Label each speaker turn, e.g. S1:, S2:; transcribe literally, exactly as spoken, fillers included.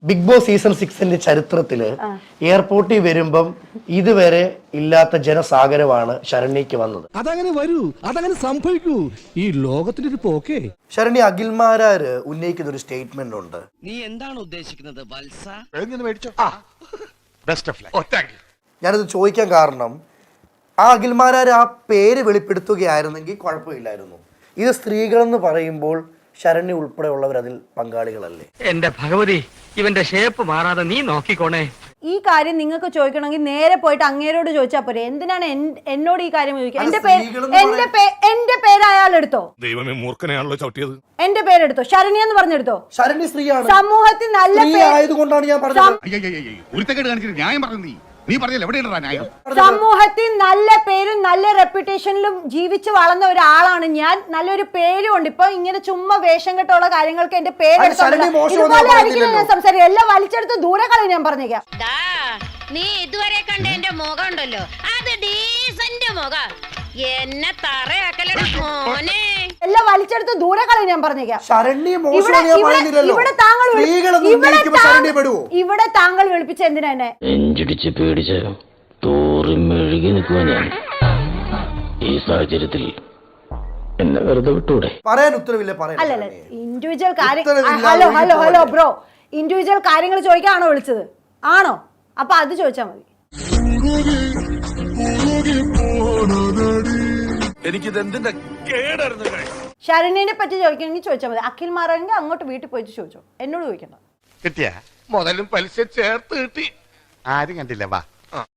S1: Big boss season സിക്സിന്റെ ചരിത്രത്തില് എയർപോർട്ടിൽ വരുമ്പം ഇതുവരെ ഇല്ലാത്ത ജനസാഗരമാണ് ശരണ്യക്ക് വന്നത്.
S2: അതങ്ങനെ വരൂ, അതങ്ങനെ സംഭവിക്കൂ. ഈ ലോകത്തിന്റെ ഒരു പോക്കേ.
S1: ശരണ്യ അഖിൽമാരാര് ഉന്നയിക്കുന്ന ഒരു സ്റ്റേറ്റ്മെന്റ് ഉണ്ട്.
S3: നീ എന്താണ് ഉദ്ദേശിക്കുന്നത് വത്സ?
S1: ഞാനത് ചോദിക്കാൻ കാരണം ആ അഖിൽമാരാര് ആ പേര് വെളിപ്പെടുത്തുകയായിരുന്നെങ്കിൽ കുഴപ്പമില്ലായിരുന്നു. ഇത് സ്ത്രീകളെന്ന് പറയുമ്പോൾ ശരണ്യ ഉൾപ്പെടെയുള്ളവർ അതിൽ പങ്കാളികളല്ലേ?
S4: എന്റെ ഭഗവതി, ഇവന്റെ ഷേപ്പ് മാറാതെ നീ നോക്കിക്കോണേ.
S5: ഈ കാര്യം നിങ്ങൾക്ക് ചോദിക്കണമെങ്കിൽ നേരെ പോയിട്ട് അങ്ങേരോട് ചോദിച്ചാൽ പോരെ. എന്തിനാണ് എന്നോട് ഈ കാര്യം ചോദിക്കുക? എന്റെ പേര് എന്റെ എന്റെ പേര് അയാൾ എടുത്തോ?
S6: ദൈവമേ, മൂർഖനെയാണല്ലോ ചവിട്ടിയത്.
S5: എന്റെ പേരെടുത്തോ, ശരണ്യ എന്ന് പറഞ്ഞെടുത്തോ.
S1: ശരണ്യ സ്ത്രീയാണ്.
S5: സമൂഹത്തിൽ നല്ല
S1: ആയതുകൊണ്ടാണ് ഞാൻ പറഞ്ഞത്.
S5: സമൂഹത്തിൽ നല്ല പേരും നല്ല റെപ്യൂട്ടേഷനിലും ജീവിച്ച് വളർന്ന ഒരാളാണ് ഞാൻ. നല്ലൊരു പേരും ഉണ്ട്. ഇപ്പൊ ഇങ്ങനെ ചുമ്മാ വേഷം കെട്ടുള്ള കാര്യങ്ങൾക്ക് എന്റെ പേരെടുത്തോണ്ട് ഇതുപോലെ ആയിരിക്കും ഞാൻ സംസാരിക്കും. എല്ലാം വലിച്ചെടുത്ത് ദൂരെ കളയും ഞാൻ പറഞ്ഞേക്കാം.
S7: നീ ഇതുവരെ കണ്ട എന്റെ മുഖം ഉണ്ടല്ലോ, അത് ഡീസന്റ് മുഖം. എന്നെ തറയാക്കലടാ മോനെ.
S5: എല്ലാം വലിച്ചെടുത്ത് ദൂരെ കളയും ഞാൻ പറഞ്ഞേക്കാം. ഇവിടെ താങ്കൾ വിളിപ്പിച്ച എന്തിനാ എന്നെ?
S8: നെഞ്ചിടിച്ച് പേടിച്ച് തോറി മെഴുകി നിൽക്കുക ഞാൻ. ഈ സാഹചര്യത്തിൽ എന്നെ വെറുതെ വിട്ടൂടെ?
S1: പറയാൻ ഉത്തരവില്ല.
S5: അല്ലല്ല, ഇൻഡിവിജ്വൽ കാര്യം. Hello hello hello bro, individual കാര്യങ്ങൾ ചോദിക്കാണോ വിളിച്ചത്? ആണോ? അപ്പൊ അത് ചോദിച്ചാ മതി. ശരണ്യനെ പറ്റി ചോദിക്കണമെങ്കിൽ ചോദിച്ചാൽ മതി. അഖിൽ മാറാണെങ്കിൽ അങ്ങോട്ട് വീട്ടിൽ പോയിട്ട് ചോദിച്ചോ, എന്നോട് ചോദിക്കണ്ട.
S6: കിട്ടിയ മുതലും പലിശ ചേർത്ത് കിട്ടി. ആരും കണ്ടില്ല. വാ.